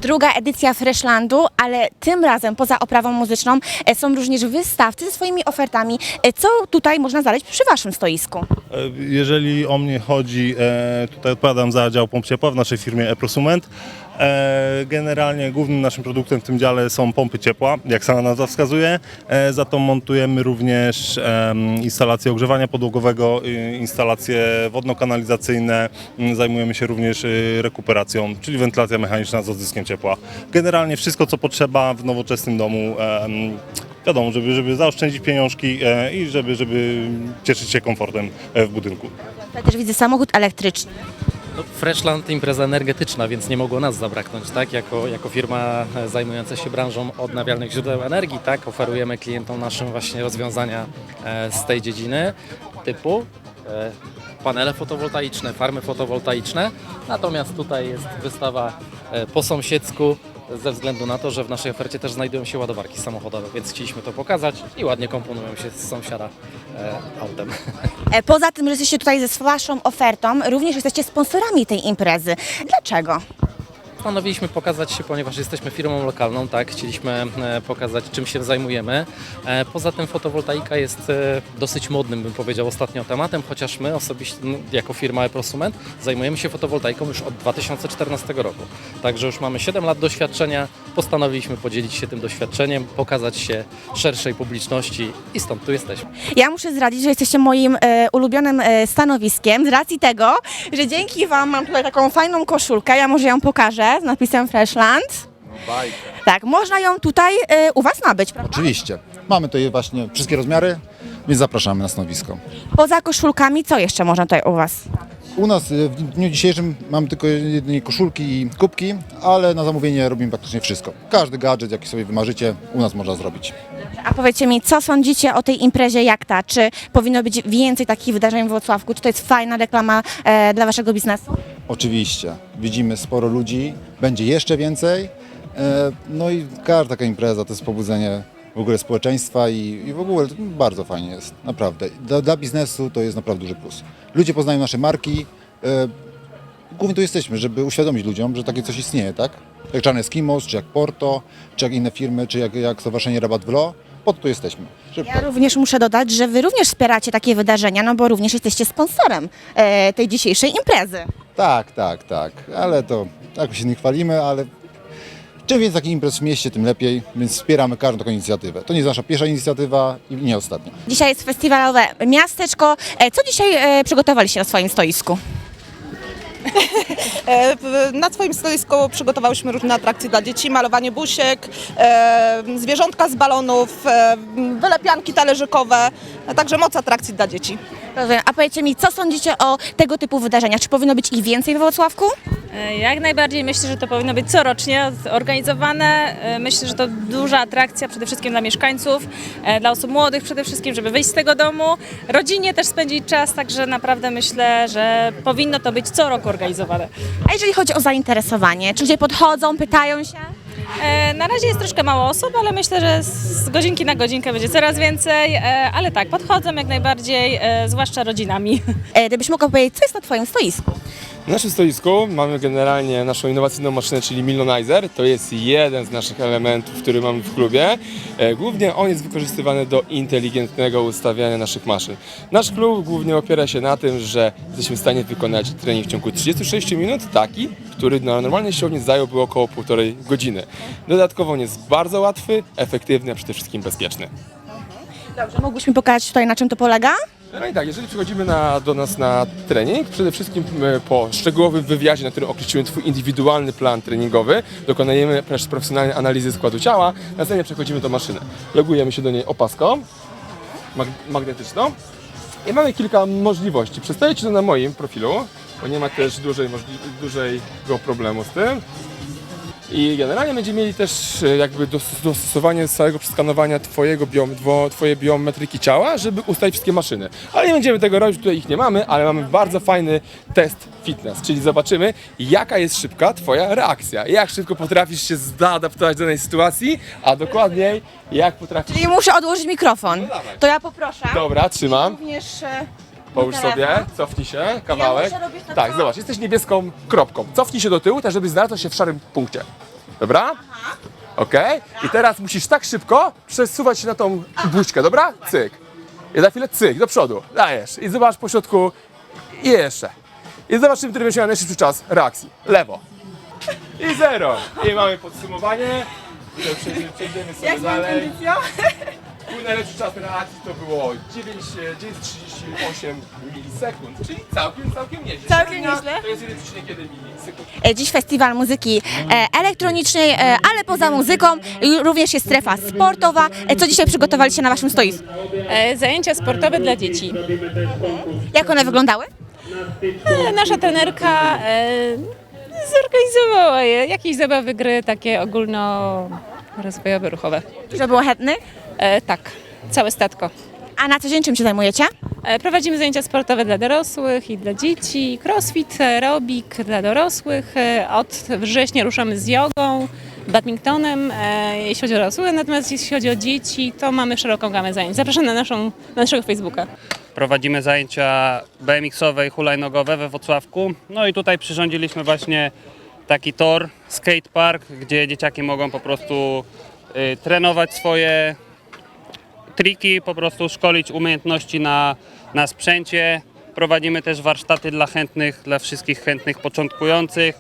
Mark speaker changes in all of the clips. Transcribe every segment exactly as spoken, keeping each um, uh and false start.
Speaker 1: Druga edycja Freshlandu, ale tym razem poza oprawą muzyczną e, są również wystawcy ze swoimi ofertami. E, Co tutaj można znaleźć przy Waszym stoisku?
Speaker 2: E, Jeżeli o mnie chodzi, e, tutaj odpowiadam za dział pomp ciepła w naszej firmie e-Prosument. E, Generalnie głównym naszym produktem w tym dziale są pompy ciepła, jak sama nazwa wskazuje. E, Za to montujemy również em, instalacje ogrzewania podłogowego, y, instalacje wodno-kanalizacyjne. Mm, Zajmujemy się również y, rekuperacją, czyli wentylacja mechaniczna z odzyskiem ciepła. Generalnie wszystko, co potrzeba w nowoczesnym domu. em, Wiadomo, żeby, żeby zaoszczędzić pieniążki e, i żeby, żeby cieszyć się komfortem e, w budynku.
Speaker 1: Tutaj też widzę samochód elektryczny.
Speaker 3: No, Freshland impreza energetyczna, więc nie mogło nas zabraknąć, tak? Jako, jako firma e, zajmująca się branżą odnawialnych źródeł energii, tak? Oferujemy klientom naszym właśnie rozwiązania e, z tej dziedziny typu e, panele fotowoltaiczne, farmy fotowoltaiczne. Natomiast tutaj jest wystawa e, po sąsiedzku, ze względu na to, że w naszej ofercie też znajdują się ładowarki samochodowe, więc chcieliśmy to pokazać i ładnie komponują się z sąsiada e, autem.
Speaker 1: E, Poza tym, że jesteście tutaj ze Waszą ofertą, również jesteście sponsorami tej imprezy. Dlaczego?
Speaker 3: Postanowiliśmy pokazać się, ponieważ jesteśmy firmą lokalną, tak, chcieliśmy e, pokazać, czym się zajmujemy. E, Poza tym fotowoltaika jest e, dosyć modnym, bym powiedział, ostatnio tematem, chociaż my osobiście, no, jako firma e-Prosument, zajmujemy się fotowoltaiką już od dwa tysiące czternastego roku. Także już mamy siedem lat doświadczenia, postanowiliśmy podzielić się tym doświadczeniem, pokazać się szerszej publiczności i stąd tu jesteśmy.
Speaker 1: Ja muszę zdradzić, że jesteście moim e, ulubionym e, stanowiskiem z racji tego, że dzięki Wam mam tutaj taką fajną koszulkę, ja może ją pokażę z napisem Freshland. Tak, można ją tutaj e, u Was nabyć, prawda?
Speaker 4: Oczywiście. Mamy tutaj właśnie wszystkie rozmiary, więc zapraszamy na stanowisko.
Speaker 1: Poza koszulkami, co jeszcze można tutaj u Was?
Speaker 4: U nas y, w dniu dzisiejszym mamy tylko jedynie koszulki i kubki, ale na zamówienie robimy praktycznie wszystko. Każdy gadżet, jaki sobie wymarzycie, u nas można zrobić.
Speaker 1: A powiedzcie mi, co sądzicie o tej imprezie jak ta? Czy powinno być więcej takich wydarzeń w Włocławku? Czy to jest fajna reklama e, dla Waszego biznesu?
Speaker 4: Oczywiście. Widzimy sporo ludzi, będzie jeszcze więcej. E, no i każda taka impreza to jest pobudzenie w ogóle społeczeństwa i, i w ogóle to bardzo fajnie jest, naprawdę. Dla, dla biznesu to jest naprawdę duży plus. Ludzie poznają nasze marki. E, głównie tu jesteśmy, żeby uświadomić ludziom, że takie coś istnieje, tak? Jak Czarny Eskimos, czy jak Porto, czy jak inne firmy, czy jak, jak Stowarzyszenie Rabat w Lo. Po to tu jesteśmy. Żeby
Speaker 1: Ja również muszę dodać, że Wy również wspieracie takie wydarzenia, no bo również jesteście sponsorem e, tej dzisiejszej imprezy.
Speaker 4: Tak, tak, tak, ale to jakoś się nie chwalimy, ale czym więcej takich imprez w mieście, tym lepiej, więc wspieramy każdą taką inicjatywę. To nie jest nasza pierwsza inicjatywa i nie ostatnia.
Speaker 1: Dzisiaj jest festiwalowe miasteczko. E, co dzisiaj e, przygotowaliście na swoim stoisku?
Speaker 5: E, w- Na swoim stoisku przygotowałyśmy różne atrakcje dla dzieci, malowanie busiek, e, zwierzątka z balonów, e, wylepianki talerzykowe, a także moc atrakcji dla dzieci.
Speaker 1: Rozumiem. A powiedzcie mi, co sądzicie o tego typu wydarzeniach? Czy powinno być ich więcej we Wrocławku?
Speaker 6: E, Jak najbardziej myślę, że to powinno być corocznie organizowane. E, Myślę, że to duża atrakcja przede wszystkim dla mieszkańców, e, dla osób młodych przede wszystkim, żeby wyjść z tego domu, rodzinie też spędzić czas, także naprawdę myślę, że powinno to być co roku organizowane.
Speaker 1: A jeżeli chodzi o zainteresowanie, czy ludzie podchodzą, pytają się?
Speaker 6: E, Na razie jest troszkę mało osób, ale myślę, że z godzinki na godzinkę będzie coraz więcej, e, ale tak, podchodzą jak najbardziej, e, zwłaszcza rodzinami.
Speaker 1: E, gdybyś mogła powiedzieć, co jest na Twoim stoisku?
Speaker 7: Na naszym stoisku mamy generalnie naszą innowacyjną maszynę, czyli Millonizer. To jest jeden z naszych elementów, który mamy w klubie. E, Głównie on jest wykorzystywany do inteligentnego ustawiania naszych maszyn. Nasz klub głównie opiera się na tym, że jesteśmy w stanie wykonać trening w ciągu trzydziestu sześciu minut, taki, który na normalnej siłowni zająłby około półtorej godziny. Dodatkowo on jest bardzo łatwy, efektywny, a przede wszystkim bezpieczny.
Speaker 1: Dobrze, mógłbyś mi pokazać tutaj, na czym to polega?
Speaker 7: No i tak, jeżeli przychodzimy na, do nas na trening, przede wszystkim e, po szczegółowym wywiadzie, na którym określimy Twój indywidualny plan treningowy, dokonujemy też profesjonalnej analizy składu ciała, następnie przechodzimy do maszyny. Logujemy się do niej opaską mag magnetyczną i mamy kilka możliwości. Przedstawię Ci to na moim profilu, bo nie ma też dużej, dużego problemu z tym. I generalnie będziemy mieli też e, jakby dos dostosowanie całego przeskanowania twojego biom, dwo, twojej biometryki ciała, żeby ustalić wszystkie maszyny. Ale nie będziemy tego robić, tutaj ich nie mamy, ale mamy bardzo fajny test fitness, czyli zobaczymy, jaka jest szybka twoja reakcja, jak szybko potrafisz się zaadaptować do danej sytuacji, a dokładniej jak potrafisz...
Speaker 1: Czyli muszę odłożyć mikrofon.
Speaker 7: No dawaj.
Speaker 1: To ja poproszę.
Speaker 7: Dobra, trzymam.
Speaker 1: Również e,
Speaker 7: Połóż
Speaker 1: telefon.
Speaker 7: sobie, cofnij się, kawałek.
Speaker 1: muszę robić tak
Speaker 7: Tak,
Speaker 1: samo?
Speaker 7: zobacz, jesteś niebieską kropką. Cofnij się do tyłu, tak żeby znalazł się w szarym punkcie. Dobra? Okej. I teraz musisz tak szybko przesuwać się na tą buźkę, dobra? Cyk. I za chwilę cyk, do przodu. Dajesz. I zobacz po środku. I jeszcze. I zobaczymy, który będzie miał najszybszy czas reakcji. Lewo. I zero. I mamy podsumowanie. Przejdziemy, przejdziemy sobie dalej. Mój najlepszy czas reakcji to było dziewięć przecinek trzydzieści osiem milisekund, czyli całkiem, całkiem nieźle.
Speaker 1: Całkiem
Speaker 7: Średnia
Speaker 1: nieźle.
Speaker 7: To jest jeden przecinek jeden milisekund.
Speaker 1: E, Dziś festiwal muzyki e, elektronicznej, e, ale poza muzyką i również jest strefa sportowa. E, Co dzisiaj przygotowaliście na waszym stoisku?
Speaker 8: E, Zajęcia sportowe dla dzieci.
Speaker 1: Jak one wyglądały?
Speaker 8: E, Nasza trenerka e, zorganizowała je, jakieś zabawy, gry takie ogólnorozwojowe, ruchowe.
Speaker 1: Dużo było chętnych?
Speaker 8: E, tak, całe statko.
Speaker 1: A na co dzień czym się zajmujecie?
Speaker 8: E, Prowadzimy zajęcia sportowe dla dorosłych i dla dzieci, crossfit, aerobik dla dorosłych. E, Od września ruszamy z jogą, badmintonem, e, jeśli chodzi o dorosłych, natomiast jeśli chodzi o dzieci, to mamy szeroką gamę zajęć. Zapraszam na, naszą, na naszego Facebooka.
Speaker 9: Prowadzimy zajęcia B M X-owe i hulajnogowe we Włocławku. No i tutaj przyrządziliśmy właśnie taki tor, skatepark, gdzie dzieciaki mogą po prostu y, trenować swoje triki, po prostu szkolić umiejętności na, na sprzęcie. Prowadzimy też warsztaty dla chętnych, dla wszystkich chętnych początkujących.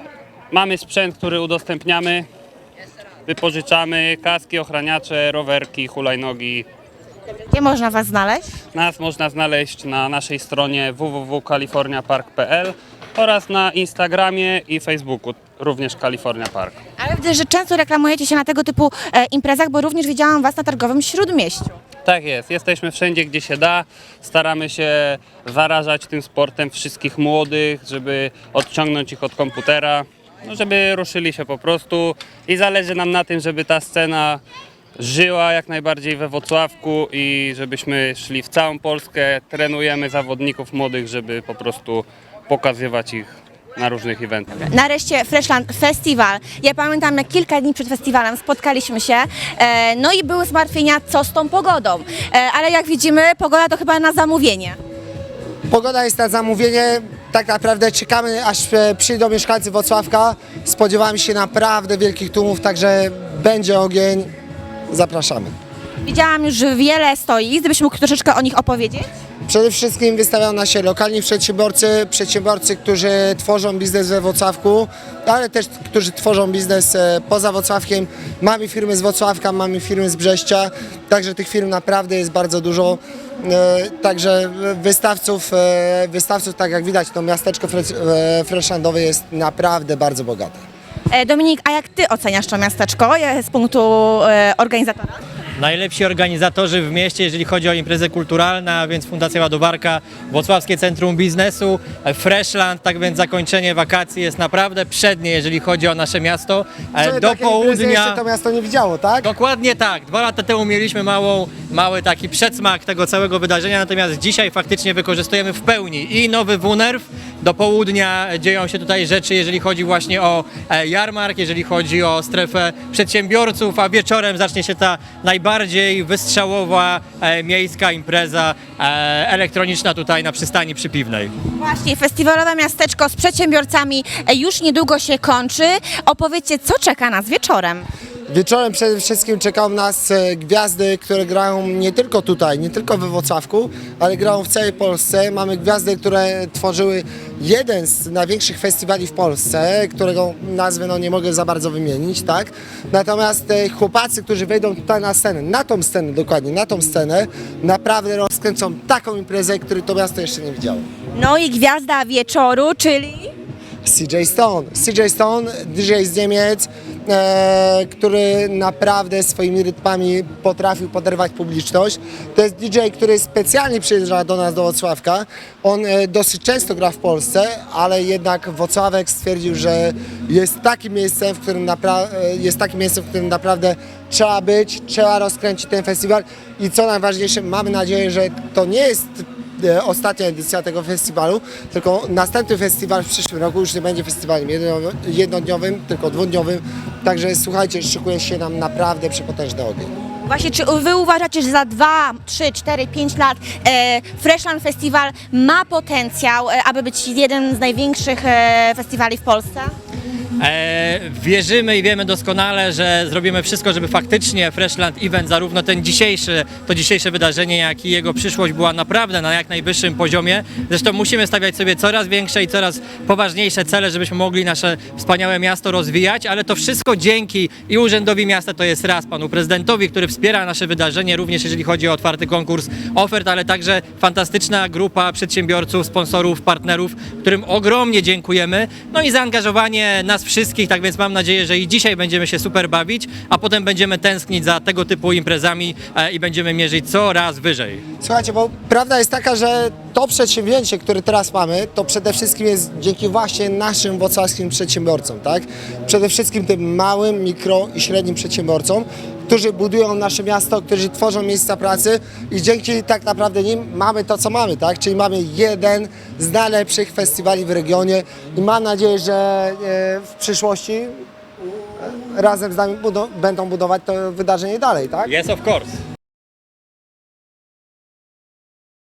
Speaker 9: Mamy sprzęt, który udostępniamy, wypożyczamy, kaski, ochraniacze, rowerki, hulajnogi.
Speaker 1: Gdzie można was znaleźć?
Speaker 9: Nas można znaleźć na naszej stronie w w w kropka california park kropka p l oraz na Instagramie i Facebooku, również California Park.
Speaker 1: Ale widzę, że często reklamujecie się na tego typu e, imprezach, bo również widziałam was na targowym Śródmieściu.
Speaker 9: Tak jest, jesteśmy wszędzie, gdzie się da. Staramy się zarażać tym sportem wszystkich młodych, żeby odciągnąć ich od komputera, no żeby ruszyli się po prostu i zależy nam na tym, żeby ta scena żyła jak najbardziej we Włocławku i żebyśmy szli w całą Polskę, trenujemy zawodników młodych, żeby po prostu pokazywać ich na różnych eventach.
Speaker 1: Nareszcie Freshland Festival. Ja pamiętam, jak kilka dni przed festiwalem spotkaliśmy się, e, no i były zmartwienia, co z tą pogodą. E, ale jak widzimy, pogoda to chyba na zamówienie.
Speaker 10: Pogoda jest na zamówienie. Tak naprawdę czekamy, aż e, przyjdą mieszkańcy Włocławka. Spodziewamy się naprawdę wielkich tłumów, także będzie ogień. Zapraszamy.
Speaker 1: Widziałam już wiele stoisk, gdybyś mógł troszeczkę o nich opowiedzieć?
Speaker 10: Przede wszystkim wystawiają na się lokalni przedsiębiorcy, przedsiębiorcy, którzy tworzą biznes we Włocławku, ale też którzy tworzą biznes e, poza Włocławkiem. Mamy firmy z Włocławka, mamy firmy z Brześcia, także tych firm naprawdę jest bardzo dużo. E, Także wystawców, e, wystawców, tak jak widać, to miasteczko fre- e, freshlandowe jest naprawdę bardzo bogate.
Speaker 1: E, Dominik, a jak ty oceniasz to miasteczko e, z punktu e, organizatora?
Speaker 11: Najlepsi organizatorzy w mieście, jeżeli chodzi o imprezy kulturalne, a więc Fundacja Ładobarka, Włocławskie Centrum Biznesu, Freshland, tak więc zakończenie wakacji jest naprawdę przednie, jeżeli chodzi o nasze miasto. E,
Speaker 10: Czyli
Speaker 11: Do
Speaker 10: takiej imprezy jeszcze
Speaker 11: południa.
Speaker 10: to miasto nie widziało, tak?
Speaker 11: Dokładnie tak. Dwa lata temu mieliśmy małą, mały taki przedsmak tego całego wydarzenia, natomiast dzisiaj faktycznie wykorzystujemy w pełni i nowy Wunerw. Do południa dzieją się tutaj rzeczy, jeżeli chodzi właśnie o e, jarmark, jeżeli chodzi o strefę przedsiębiorców, a wieczorem zacznie się ta najbardziej wystrzałowa e, miejska impreza e, elektroniczna tutaj na przystani Przypiwnej.
Speaker 1: Właśnie, festiwalowe miasteczko z przedsiębiorcami e, już niedługo się kończy. Opowiedzcie, co czeka nas wieczorem.
Speaker 10: Wieczorem przede wszystkim czekają nas e, gwiazdy, które grają nie tylko tutaj, nie tylko we Włocławku, ale grają w całej Polsce. Mamy gwiazdy, które tworzyły jeden z największych festiwali w Polsce, którego nazwy no, nie mogę za bardzo wymienić, tak? Natomiast e, chłopacy, którzy wejdą tutaj na scenę, na tą scenę dokładnie, na tą scenę, naprawdę rozkręcą taką imprezę, której to miasto jeszcze nie widziało.
Speaker 1: No i gwiazda wieczoru, czyli...
Speaker 10: C J Stone. C J Stone, D J z Niemiec, e, który naprawdę swoimi rytmami potrafił poderwać publiczność. To jest D J, który specjalnie przyjeżdża do nas do Włocławka. On e, dosyć często gra w Polsce, ale jednak Włocławek stwierdził, że jest takim miejscem, w którym napra- e, jest takim miejscem, w którym naprawdę trzeba być, trzeba rozkręcić ten festiwal i co najważniejsze, mamy nadzieję, że to nie jest e, ostatnia edycja tego festiwalu, tylko następny festiwal w przyszłym roku już nie będzie festiwalem jedno- jednodniowym, tylko dwudniowym. Także słuchajcie, szykuje się nam naprawdę przepotężny ogień.
Speaker 1: Właśnie, czy wy uważacie, że za dwa, trzy, cztery, pięć lat e, Freshland Festival ma potencjał, e, aby być jeden z największych e, festiwali w Polsce?
Speaker 11: E, wierzymy i wiemy doskonale, że zrobimy wszystko, żeby faktycznie Freshland Event, zarówno ten dzisiejszy, to dzisiejsze wydarzenie, jak i jego przyszłość była naprawdę na jak najwyższym poziomie. Zresztą musimy stawiać sobie coraz większe i coraz poważniejsze cele, żebyśmy mogli nasze wspaniałe miasto rozwijać, ale to wszystko dzięki i Urzędowi Miasta, to jest raz, panu prezydentowi, który wspiera nasze wydarzenie, również jeżeli chodzi o otwarty konkurs ofert, ale także fantastyczna grupa przedsiębiorców, sponsorów, partnerów, którym ogromnie dziękujemy. No i zaangażowanie nas wszystkich, tak więc mam nadzieję, że i dzisiaj będziemy się super bawić, a potem będziemy tęsknić za tego typu imprezami e, i będziemy mierzyć coraz wyżej.
Speaker 10: Słuchajcie, bo prawda jest taka, że to przedsięwzięcie, które teraz mamy, to przede wszystkim jest dzięki właśnie naszym wrocławskim przedsiębiorcom, tak? Przede wszystkim tym małym, mikro i średnim przedsiębiorcom, którzy budują nasze miasto, którzy tworzą miejsca pracy i dzięki tak naprawdę nim mamy to, co mamy, tak? Czyli mamy jeden z najlepszych festiwali w regionie i mam nadzieję, że e, w przyszłości razem z nami budo- będą budować to wydarzenie dalej, tak?
Speaker 11: Yes, of course.